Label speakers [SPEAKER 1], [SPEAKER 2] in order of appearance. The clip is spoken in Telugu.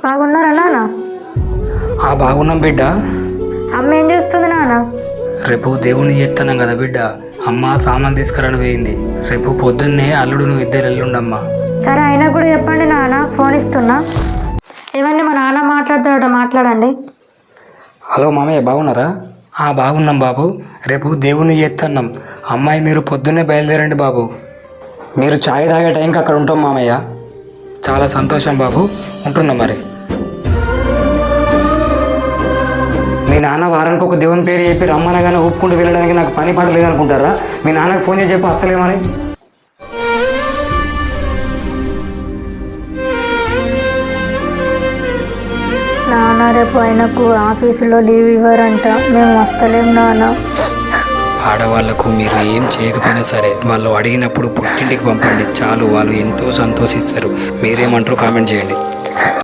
[SPEAKER 1] బాగున్నారా నాన్న?
[SPEAKER 2] బాగున్నాం బిడ్డ.
[SPEAKER 1] అమ్మ ఏం చేస్తుంది నాన్న?
[SPEAKER 2] రేపు దేవుని చేస్తున్నాం కదా బిడ్డ. అమ్మ సామాన్ తీసుకురాని పోయింది. రేపు పొద్దున్నే అల్లుడు నువ్వు ఇద్దరు ఎల్లుండమ్మా.
[SPEAKER 1] సరే అయినా కూడా చెప్పండి నాన్న, ఫోన్ ఇస్తున్నా. ఏమండి మా నాన్న మాట్లాడతాడట, మాట్లాడండి.
[SPEAKER 2] హలో మామయ్య, బాగున్నారా? బాగున్నాం బాబు. రేపు దేవుని చేస్తున్నాం. అమ్మాయి మీరు పొద్దున్నే బయలుదేరండి బాబు. మీరు ఛాయ్ తాగే టైంకి అక్కడ ఉంటాం మామయ్య. చాలా సంతోషం బాబు, ఉంటున్నాం మరి. మీ నాన్న వారానికి ఒక దేవుని పేరు చెప్పి రమ్మనగానే ఒప్పుకుంటూ వెళ్ళడానికి నాకు పని పడలేదు అనుకుంటారా? మీ నాన్నకు ఫోన్ చేసి చెప్పి అసలేమని.
[SPEAKER 1] నాన్న రేపు ఆయనకు ఆఫీసులో లీవ్ ఇవ్వరంట, మేము వస్తలేం నాన్న.
[SPEAKER 2] ఆడవాళ్లకు మీరు ఏం చేయకపోయినా సరే వాళ్ళు అడిగినప్పుడు పుట్టింటికి పంపండి చాలు, వాళ్ళు ఎంతో సంతోషిస్తారు. మీరేమంటారో కామెంట్ చేయండి.